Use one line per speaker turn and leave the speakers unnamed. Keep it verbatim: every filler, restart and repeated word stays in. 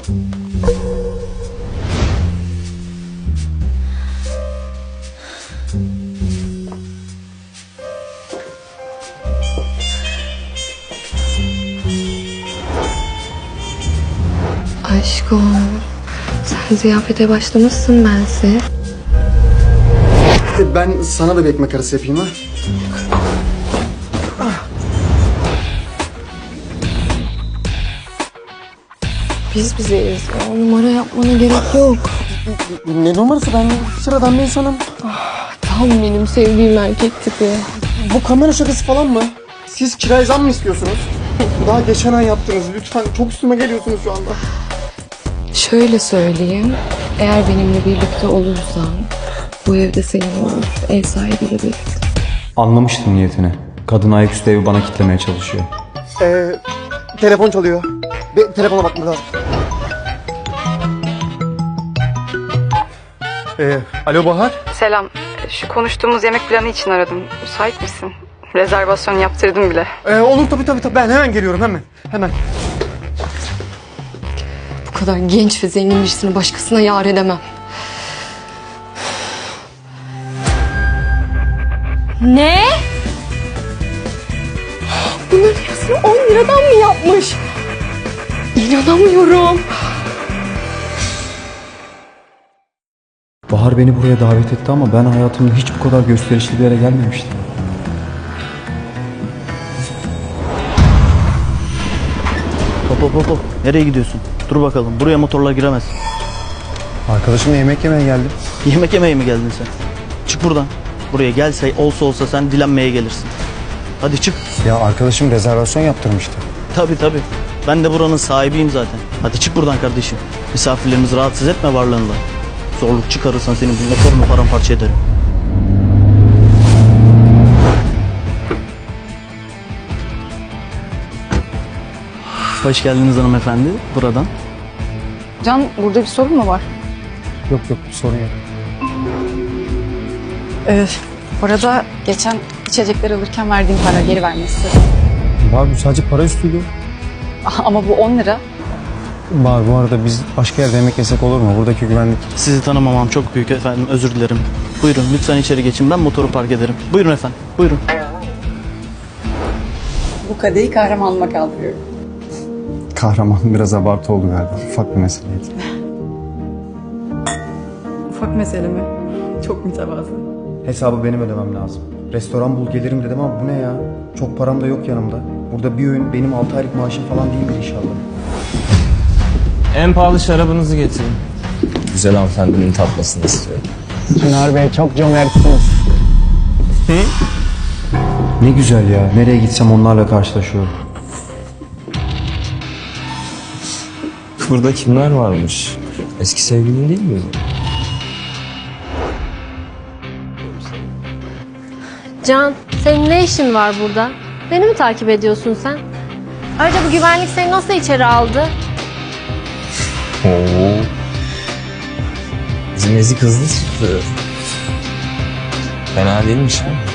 Aşkım, sen ziyafete başlamışsın bense.
Ben sana da bir ekmek arası yapayım ha.
Biz bizeyiz. Ya, numara yapmana gerek yok.
Ne numarası, ben sıradan bir insanım.
Tam benim sevdiğim erkek tipi.
Bu kamera şakası falan mı? Siz kiraya zam mı istiyorsunuz? Daha geçen ay yaptınız, lütfen çok üstüme geliyorsunuz şu anda.
Şöyle söyleyeyim. Eğer benimle birlikte olursan bu evde senin olur. Ev sahibiyle birlikte.
Anlamıştım niyetini. Kadın ayaküstü evi bana kitlemeye çalışıyor.
Ee, telefon çalıyor. Bir telefona bakmam lazım. Ee, alo Bahar.
Selam. Şu konuştuğumuz yemek planı için aradım. Müsait misin? Rezervasyon yaptırdım bile.
Ee, olur tabii tabii tabii. Ben hemen geliyorum, hemen. Hemen.
Bu kadar genç ve zengin birisini başkasına yar edemem. Ne? Bunların yarısını on liradan mı yapmış? İnanamıyorum.
Bahar beni buraya davet etti ama ben hayatımda hiç bu kadar gösterişli bir yere gelmemiştim.
Hop hop hop hop. Nereye gidiyorsun? Dur bakalım. Buraya motorla giremez.
Arkadaşımla yemek yemeye geldim.
Yemek yemeye mi geldin sen? Çık buradan. Buraya gelse olsa olsa sen dilenmeye gelirsin. Hadi çık.
Ya arkadaşım rezervasyon yaptırmıştı.
Tabii tabii. Ben de buranın sahibiyim zaten. Hadi çık buradan kardeşim. Misafirlerimizi rahatsız etme varlığınla. Zorluk çıkarırsan senin bu motorunu paramparça ederim. Hoş geldiniz hanımefendi. Buradan.
Can, burada bir sorun mu var?
Yok yok, sorun yok.
Ee, bu arada geçen içecekler alırken verdiğim para geri vermesi.
Var, bu sadece para üstüydü.
Ama bu on lira.
Var, bu arada biz başka yerde yemek yesek olur mu? Buradaki güvenlik.
Sizi tanımamam çok büyük efendim. Özür dilerim. Buyurun lütfen içeri geçin. Ben motoru park ederim. Buyurun efendim. Buyurun.
Bu kadehi kahramanıma kaldırıyorum.
Kahraman biraz abartı oldu galiba. Ufak bir meseleydi.
Ufak mesele mi? Çok mütevazı.
Hesabı benim ödemem lazım. Restoran bul gelirim dedim ama bu ne ya? Çok param da yok yanımda. Burada bir öğün benim altı aylık maaşım falan değildir inşallah.
En pahalı şarabınızı getirin.
Güzel hanımefendinin tatmasını istiyorum.
Çınar Bey çok cömertsiniz.
Ne güzel ya. Nereye gitsem onlarla karşılaşıyorum.
Burada kimler varmış? Eski sevgilin değil mi?
Can, senin ne işin var burada? Beni mi takip ediyorsun sen? Ayrıca bu güvenlik seni nasıl içeri aldı?
Oo. Bizim ezik hızlı çıktı. Fena değilmiş ha.